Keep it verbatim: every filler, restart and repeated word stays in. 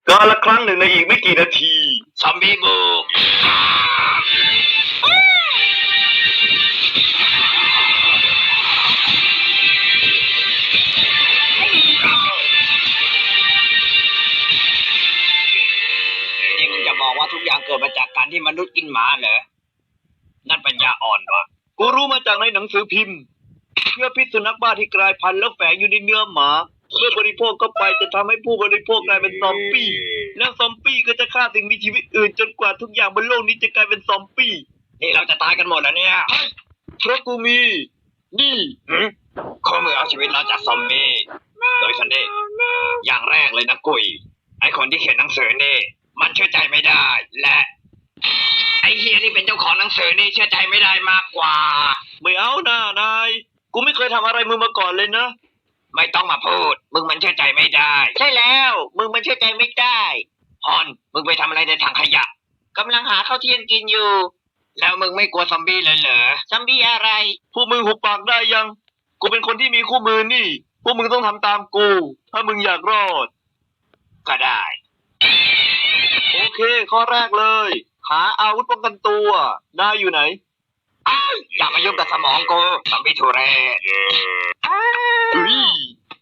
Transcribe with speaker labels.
Speaker 1: กาละครั้งหนึ่งในอีกไม่กี่นาทีซอมบี้บุกนี่มึงจะบอกว่าทุกอย่างเกิดมาจากการที่มนุษย์กินหมาเหรอนั่นปัญญาอ่อนวะกูรู้มาจากในหนังสือพิมพ์เชื้อพิษสุนัขบ้าที่กลายพันธุ์แล้วแฝงอยู่ในเนื้อหมาเมื่อบริโภคเข้าไปจะทำให้ผู้บริโภคกลายเป็นซอมบี้แล้วซอมบี้ก็จะฆ่าสิ่งมีชีวิตอื่นจนกว่าทุกอย่างบนโลกนี้จะกลายเป็นซอมบี้นี่เราจะตายกันหมดแล้วเนี่ยเพราะกูมีนี่ข้อมือเอาชีวิตเราจากซอมบี้โดยสันเดย์อย่างแรกเลยนะกุยไอคนที่เขียนหนังสือนี่มันเชื่อใจไม่ได้และไอเฮียที่เป็นเจ้าของหนังสือนี่เชื่อใจไม่ได้มากกว่าไม่เอานะนายกูไม่เคยทำอะไรมึงมาก่อนเลยนะไม่ต้องมาพูดมึงมันเชื่อใจไม่ได้ใช่แล้วมึงมันเชื่อใจไม่ได้ฮอนมึงไปทำอะไรในถังขยะกำลังหาข้าวเที่ยงกินอยู่แล้วมึงไม่กลัวซอมบี้เลยเหรอซอมบี้อะไรพวกมึงหุบปากได้ยังกูเป็นคนที่มีคู่มือนี่พวกมึงต้องทำตามกูถ้ามึงอยากรอดก็ได้โอเคข้อแรกเลยหาอาวุธป้องกันตัวนายอยู่ไหนอย่ามายุ่งกับสมองกูซอมบี้ทุเรศอุ้ย